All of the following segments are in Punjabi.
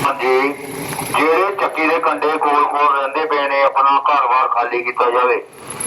ਹਾਂਜੀ, ਜਿਹੜੇ ਚੱਕੀ ਦੇ ਕੰਢੇ ਕੋਲ ਕੋਲ ਰਹਿੰਦੇ ਪਏ ਨੇ ਆਪਣਾ ਘਰ-ਬਾਰ ਖਾਲੀ ਕੀਤਾ ਜਾਵੇ।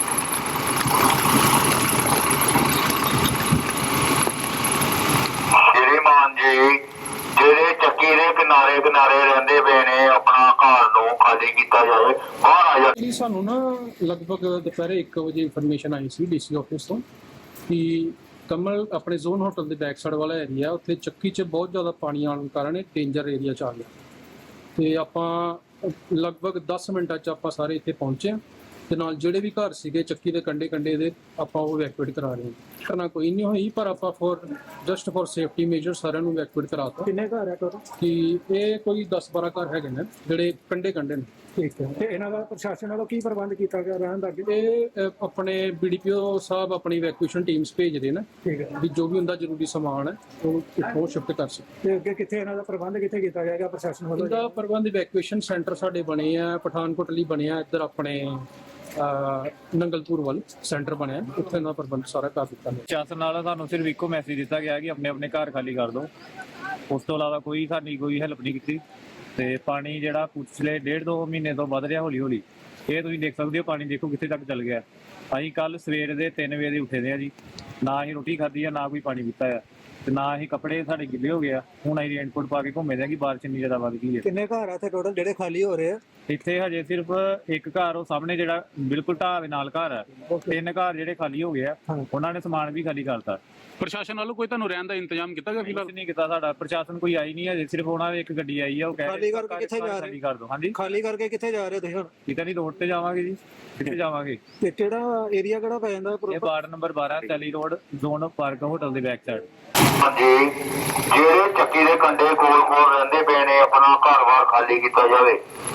ਸ਼੍ਰੀਮਾਨ ਜੀ, ਜਿਹੜੇ ਚੱਕੀ ਦੇ ਕਿਨਾਰੇ ਰਹਿੰਦੇ ਪਏ ਨੇ ਆਪਣਾ ਘਰ ਨੂੰ ਖਾਲੀ ਕੀਤਾ ਜਾਵੇ, ਬਾਹਰ ਆ ਜਾ। ਜੀ ਸਾਨੂੰ ਨਾ ਲਗਭਗ ਦੁਪਹਿਰੇ 1 ਵਜੇ ਇਨਫੋਰਮੇਸ਼ਨ ਆਈ ਸੀ ਡੀਸੀ ਆਫਿਸ ਤੋਂ ਕਿ ਕਮਲ ਆਪਣੇ ਜ਼ੋਨ ਹੋਟਲ ਦੇ ਬੈਕ ਸਾਈਡ ਵਾਲਾ ਏਰੀਆ ਉੱਥੇ ਚੱਕੀ 'ਚ ਬਹੁਤ ਜ਼ਿਆਦਾ ਪਾਣੀ ਆਉਣ ਕਾਰਨ ਇਹ ਡੇਂਜਰ ਏਰੀਆ 'ਚ ਆ ਗਿਆ ਤੇ ਆਪਾਂ ਲਗਭਗ 10 ਮਿੰਟਾਂ 'ਚ ਆਪਾਂ ਸਾਰੇ ਇੱਥੇ ਪਹੁੰਚੇ ਤੇ ਨਾਲ ਜਿਹੜੇ ਵੀ ਘਰ ਸੀਗੇ ਚੱਕੀ ਦੇ ਕੰਢੇ ਦੇ ਆਪਾਂ ਉਹ ਇਵੈਕੂਏਟ ਕਰਾ ਰਹੇ ਹਾਂ। ਘਟਨਾ ਕੋਈ ਨਹੀਂ ਹੋਈ ਪਰ ਆਪਾਂ ਜਸਟ ਫॉर ਸੇਫਟੀ ਮੇਜਰ ਸਾਰਿਆਂ ਨੂੰ ਇਵੈਕੂਏਟ ਕਰਾਤਾ। ਕਿੰਨੇ ਘਰ ਹੈ ਟੋਟਲ? ਕਿ ਇਹ ਕੋਈ 10-12 ਘਰ ਹੈਗੇ ਨੇ ਜਿਹੜੇ ਕੰਢੇ ਨੇ। ਠੀਕ ਹੈ, ਤੇ ਇਹਨਾਂ ਦਾ ਪ੍ਰਸ਼ਾਸਨ ਵੱਲੋਂ ਕੀ ਪ੍ਰਬੰਧ ਕੀਤਾ ਗਿਆ ਰਹਿਣ ਦਾ ਅੱਗੇ? ਇਹ ਆਪਣੇ BDPO ਸਾਹਿਬ ਆਪਣੀ ਇਵੈਕੂਏਸ਼ਨ ਟੀਮਸ ਭੇਜਦੇ ਨੇ ਠੀਕ ਹੈ, ਵੀ ਜੋ ਵੀ ਹੁੰਦਾ ਜ਼ਰੂਰੀ ਸਮਾਨ ਹੈ ਉਹ ਇੱਥੋਂ ਸ਼ਿਫਟ ਕਰ ਸਕਣ। ਤੇ ਅੱਗੇ ਕਿੱਥੇ ਇਹਨਾਂ ਦਾ ਪ੍ਰਬੰਧ ਕਿੱਥੇ ਕੀਤਾ ਜਾਏਗਾ ਪ੍ਰਸ਼ਾਸਨ ਵੱਲੋਂ? ਇਹਦਾ ਪ੍ਰਬੰਧ ਇਵੈਕੂਏਸ਼ਨ ਸੈਂਟਰ ਸਾਡੇ ਬਣੇ ਆ, ਪਠਾਨਕੋਟ ਲਈ ਬਣਿਆ, ਇੱਧਰ ਆਪਣੇ ਨੰਗਲਪੁਰ ਵੱਲ ਸੈਂਟਰ ਬਣਿਆ, ਉੱਥੇ ਦਾ ਪ੍ਰਬੰਧ ਸਾਰਾ ਕਰ ਦਿੱਤਾ ਗਿਆ। ਪ੍ਰਸ਼ਾਸਨ ਨਾਲ ਸਾਨੂੰ ਸਿਰਫ ਇੱਕੋ ਮੈਸੇਜ ਦਿੱਤਾ ਗਿਆ ਕਿ ਆਪਣੇ ਆਪਣੇ ਘਰ ਖਾਲੀ ਕਰ ਦਿਓ। ਉਸ ਤੋਂ ਇਲਾਵਾ ਸਾਡੀ ਕੋਈ ਹੈਲਪ ਨਹੀਂ ਕੀਤੀ ਤੇ ਪਾਣੀ ਜਿਹੜਾ ਪਿਛਲੇ 1.5-2 ਮਹੀਨੇ ਤੋਂ ਵੱਧ ਰਿਹਾ ਹੌਲੀ ਇਹ ਤੁਸੀਂ ਦੇਖ ਸਕਦੇ ਹੋ। ਪਾਣੀ ਦੇਖੋ ਕਿੱਥੇ ਤੱਕ ਚੱਲ ਗਿਆ। ਅਸੀਂ ਕੱਲ ਸਵੇਰ ਦੇ 3 ਵਜੇ ਦੇ ਉੱਠੇ ਦੇ ਆ ਜੀ, ਨਾ ਹੀ ਰੋਟੀ ਖਾਧੀ ਆ ਨਾ ਕੋਈ ਪਾਣੀ ਪੀਤਾ ਆ ਤੇ ਨਾ ਹੀ ਕੱਪੜੇ ਸਾਡੇ ਗਿੱਲੇ ਹੋ ਗਏ ਆ। ਹੁਣ ਅਸੀਂ ਰੇਨਕੋਟ ਪਾ ਕੇ ਘੁੰਮੇ ਦੇ ਆ ਕਿ ਬਾਰਿਸ਼ ਇੰਨੀ ਜ਼ਿਆਦਾ ਵੱਧ ਗਈ ਹੈ। ਕਿੰਨੇ ਘਰ ਆ ਇੱਥੇ ਟੋਟਲ ਜਿਹੜੇ ਖਾਲੀ ਹੋ ਰਹੇ ਆ? ਇੱਥੇ ਹਜੇ ਸਿਰਫ ਇੱਕ ਘਰ ਉਹ ਸਾਹਮਣੇ ਜਿਹੜਾ ਬਿਲਕੁਲ ਢਾਹ ਦੇ ਨਾਲ ਘਰ ਆ, 3 ਘਰ ਜਿਹੜੇ ਖਾਲੀ ਹੋ ਗਏ ਆ ਉਹਨਾਂ ਨੇ ਸਮਾਨ ਵੀ ਖਾਲੀ ਕਰਤਾ। ਪ੍ਰਸ਼ਾਸਨ ਵੱਲੋਂ ਕੋਈ ਤੁਹਾਨੂੰ ਰਹਿਣ ਦਾ ਇੰਤਜ਼ਾਮ ਕੀਤਾ ਗਿਆ? ਫਿਲਹਾਲ ਨਹੀਂ ਕੀਤਾ, ਸਾਡਾ ਪ੍ਰਸ਼ਾਸਨ ਕੋਈ ਆਈ ਨਹੀਂ ਹੈ। ਸਿਰਫ ਉਹਨਾਂ ਦੀ ਇੱਕ ਗੱਡੀ ਆਈ ਆ, ਉਹ ਕਹਿ ਖਾਲੀ ਕਰਕੇ ਕਿੱਥੇ ਜਾ ਰਹੇ? ਖਾਲੀ ਕਰ ਦਿਓ। ਹਾਂਜੀ, ਖਾਲੀ ਕਰਕੇ ਕਿੱਥੇ ਜਾ ਰਹੇ ਤੁਸੀਂ ਹੁਣ? ਕਿਤੇ ਨਹੀਂ, ਰੋਡ ਤੇ ਜਾਵਾਂਗੇ ਜੀ। ਕਿੱਥੇ ਜਾਵਾਂਗੇ? ਤੇ ਕਿਹੜਾ ਏਰੀਆ ਕਿਹੜਾ ਪੈ ਜਾਂਦਾ? ਇਹ ਵਾਰਡ ਨੰਬਰ 12 ਚੈਲੀ ਰੋਡ, ਜ਼ੋਨ ਪਾਰਕ ਹੋਟਲ ਦੇ ਬੈਕ ਸਾਈਡ। ਹਾਂਜੀ, ਜਿਹੜੇ ਚੱਕੀ ਦੇ ਕੰਢੇ ਕੋਲ ਕੋਲ ਰਹਿੰਦੇ ਪਏ ਨੇ ਆਪਣਾ ਘਰ-ਬਾਰ ਖਾਲੀ ਕੀਤਾ ਜਾਵੇ।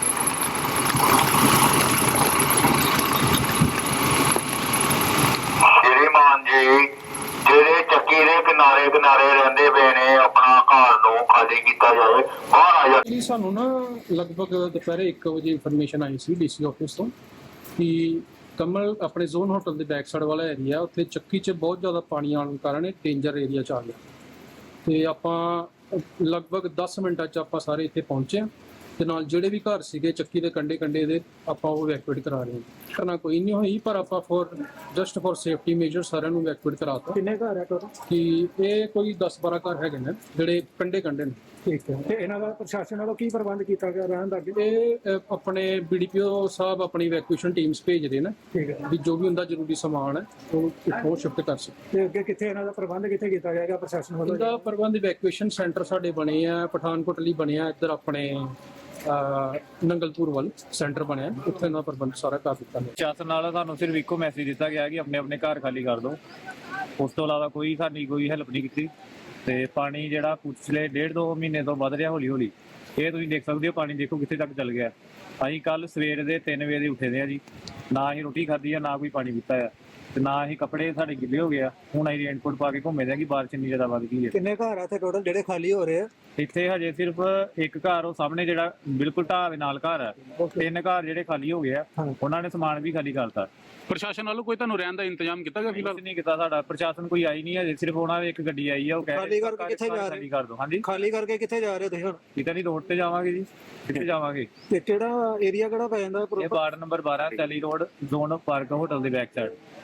ਸ਼੍ਰੀਮਾਨ ਜੀ, ਜਿਹੜੇ ਚੱਕੀ ਦੇ ਕਿਨਾਰੇ ਰਹਿੰਦੇ ਪਏ ਨੇ ਆਪਣਾ ਘਰ ਨੂੰ ਖਾਲੀ ਕੀਤਾ ਜਾਵੇ, ਬਾਹਰ ਆ ਜਾ। ਜੀ ਸਾਨੂੰ ਨਾ ਲਗਭਗ ਦੁਪਹਿਰੇ 1 ਵਜੇ ਇਨਫੋਰਮੇਸ਼ਨ ਆਈ ਸੀ ਡੀਸੀ ਆਫਿਸ ਤੋਂ ਕਿ ਕਮਲ ਆਪਣੇ ਜ਼ੋਨ ਹੋਟਲ ਦੇ ਬੈਕ ਸਾਈਡ ਵਾਲਾ ਏਰੀਆ ਉੱਥੇ ਚੱਕੀ 'ਚ ਬਹੁਤ ਜ਼ਿਆਦਾ ਪਾਣੀ ਆਉਣ ਕਾਰਨ ਇਹ ਡੇਂਜਰ ਏਰੀਆ 'ਚ ਆ ਗਿਆ ਤੇ ਆਪਾਂ ਲਗਭਗ 10 ਮਿੰਟਾਂ 'ਚ ਆਪਾਂ ਸਾਰੇ ਇੱਥੇ ਪਹੁੰਚੇ ਤੇ ਨਾਲ ਜਿਹੜੇ ਵੀ ਘਰ ਸੀਗੇ ਚੱਕੀ ਦੇ ਕੰਢੇ ਦੇ ਆਪਾਂ ਉਹ ਇਵੈਕੂਏਟ ਕਰਾ ਰਹੇ ਹਾਂ। ਘਟਨਾ ਕੋਈ ਨਹੀਂ ਹੋਈ ਪਰ ਆਪਾਂ ਜਸਟ ਫॉर ਸੇਫਟੀ ਮੇਜਰ ਸਾਰਿਆਂ ਨੂੰ ਇਵੈਕੂਏਟ ਕਰਾਤਾ। ਕਿੰਨੇ ਘਰ ਹੈ ਟੋਟਲ? ਕਿ ਇਹ ਕੋਈ 10-12 ਘਰ ਹੈਗੇ ਨੇ ਜਿਹੜੇ ਕੰਢੇ ਨੇ। ਠੀਕ ਹੈ, ਤੇ ਇਹਨਾਂ ਦਾ ਪ੍ਰਸ਼ਾਸਨ ਵੱਲੋਂ ਕੀ ਪ੍ਰਬੰਧ ਕੀਤਾ ਗਿਆ ਰਹਿਣ ਦਾ ਅੱਗੇ? ਇਹ ਆਪਣੇ BDPO ਸਾਹਿਬ ਆਪਣੀ ਇਵੈਕੂਏਸ਼ਨ ਟੀਮਸ ਭੇਜਦੇ ਨੇ ਠੀਕ ਹੈ, ਵੀ ਜੋ ਵੀ ਹੁੰਦਾ ਜ਼ਰੂਰੀ ਸਮਾਨ ਹੈ ਉਹ ਇੱਥੋਂ ਸ਼ਿਫਟ ਕਰ ਸਕਣ। ਤੇ ਅੱਗੇ ਕਿੱਥੇ ਇਹਨਾਂ ਦਾ ਪ੍ਰਬੰਧ ਕਿੱਥੇ ਕੀਤਾ ਜਾਏਗਾ ਪ੍ਰਸ਼ਾਸਨ ਵੱਲੋਂ? ਇਹਦਾ ਪ੍ਰਬੰਧ ਇਵੈਕੂਏਸ਼ਨ ਸੈਂਟਰ ਸਾਡੇ ਬਣੇ ਆ, ਪਠਾਨਕੋਟ ਲਈ ਬਣਿਆ, ਇੱਧਰ ਆਪਣੇ ਨੰਗਲਪੁਰ ਵੱਲ ਸੈਂਟਰ ਬਣਿਆ, ਉੱਥੇ ਦਾ ਪ੍ਰਬੰਧ ਸਾਰਾ ਕਰ ਦਿੱਤਾ ਗਿਆ। ਪ੍ਰਸ਼ਾਸਨ ਨਾਲ ਸਾਨੂੰ ਸਿਰਫ ਇੱਕੋ ਮੈਸੇਜ ਦਿੱਤਾ ਗਿਆ ਕਿ ਆਪਣੇ ਆਪਣੇ ਘਰ ਖਾਲੀ ਕਰ ਦਿਓ। ਉਸ ਤੋਂ ਇਲਾਵਾ ਸਾਡੀ ਕੋਈ ਹੈਲਪ ਨਹੀਂ ਕੀਤੀ ਤੇ ਪਾਣੀ ਜਿਹੜਾ ਪਿਛਲੇ 1.5-2 ਮਹੀਨੇ ਤੋਂ ਵੱਧ ਰਿਹਾ ਹੌਲੀ ਇਹ ਤੁਸੀਂ ਦੇਖ ਸਕਦੇ ਹੋ। ਪਾਣੀ ਦੇਖੋ ਕਿੱਥੇ ਤੱਕ ਚੱਲ ਗਿਆ। ਅਸੀਂ ਕੱਲ ਸਵੇਰ ਦੇ 3 ਵਜੇ ਦੇ ਉੱਠੇ ਦੇ ਆ ਜੀ, ਨਾ ਹੀ ਰੋਟੀ ਖਾਧੀ ਆ ਨਾ ਕੋਈ ਪਾਣੀ ਪੀਤਾ ਆ ਤੇ ਨਾ ਹੀ ਕੱਪੜੇ ਸਾਡੇ ਗਿੱਲੇ ਹੋ ਗਏ ਆ। ਹੁਣ ਅਸੀਂ ਰੇਨਕੋਟ ਪਾ ਕੇ ਘੁੰਮੇ ਦੇ ਆ ਕਿ ਬਾਰਿਸ਼ ਇੰਨੀ ਜ਼ਿਆਦਾ ਵੱਧ ਗਈ ਹੈ। ਕਿੰਨੇ ਘਰ ਆ ਇੱਥੇ ਟੋਟਲ ਜਿਹੜੇ ਖਾਲੀ ਹੋ ਰਹੇ ਆ? ਇੱਥੇ ਹਜੇ ਸਿਰਫ ਇੱਕ ਘਰ ਉਹ ਸਾਹਮਣੇ ਜਿਹੜਾ ਬਿਲਕੁਲ ਢਾਹ ਦੇ ਨਾਲ ਘਰ ਆ, 3 ਘਰ ਜਿਹੜੇ ਖਾਲੀ ਹੋ ਗਏ ਆ ਉਹਨਾਂ ਨੇ ਸਮਾਨ ਵੀ ਖਾਲੀ ਕਰਤਾ। ਪ੍ਰਸ਼ਾਸਨ ਵੱਲੋਂ ਕੋਈ ਤੁਹਾਨੂੰ ਰਹਿਣ ਦਾ ਇੰਤਜ਼ਾਮ ਕੀਤਾ ਗਿਆ? ਫਿਲਹਾਲ ਨਹੀਂ ਕੀਤਾ, ਸਾਡਾ ਪ੍ਰਸ਼ਾਸਨ ਕੋਈ ਆਈ ਨਹੀਂ ਹੈ। ਸਿਰਫ ਉਹਨਾਂ ਦੀ ਇੱਕ ਗੱਡੀ ਆਈ ਆ, ਉਹ ਕਹਿ ਖਾਲੀ ਕਰਕੇ ਕਿੱਥੇ ਜਾ ਰਹੇ? ਖਾਲੀ ਕਰ ਦਿਓ। ਹਾਂਜੀ, ਖਾਲੀ ਕਰਕੇ ਕਿੱਥੇ ਜਾ ਰਹੇ ਤੁਸੀਂ ਹੁਣ? ਕਿਤੇ ਨਹੀਂ, ਰੋਡ ਤੇ ਜਾਵਾਂਗੇ ਜੀ। ਕਿੱਥੇ ਜਾਵਾਂਗੇ? ਤੇ ਕਿਹੜਾ ਏਰੀਆ ਕਿਹੜਾ ਪੈ ਜਾਂਦਾ? ਇਹ ਵਾਰਡ ਨੰਬਰ 12 ਚੈਲੀ ਰੋਡ, ਜ਼ੋਨ ਪਾਰਕ ਹੋਟਲ ਦੇ ਬੈਕ ਸਾਈਡ।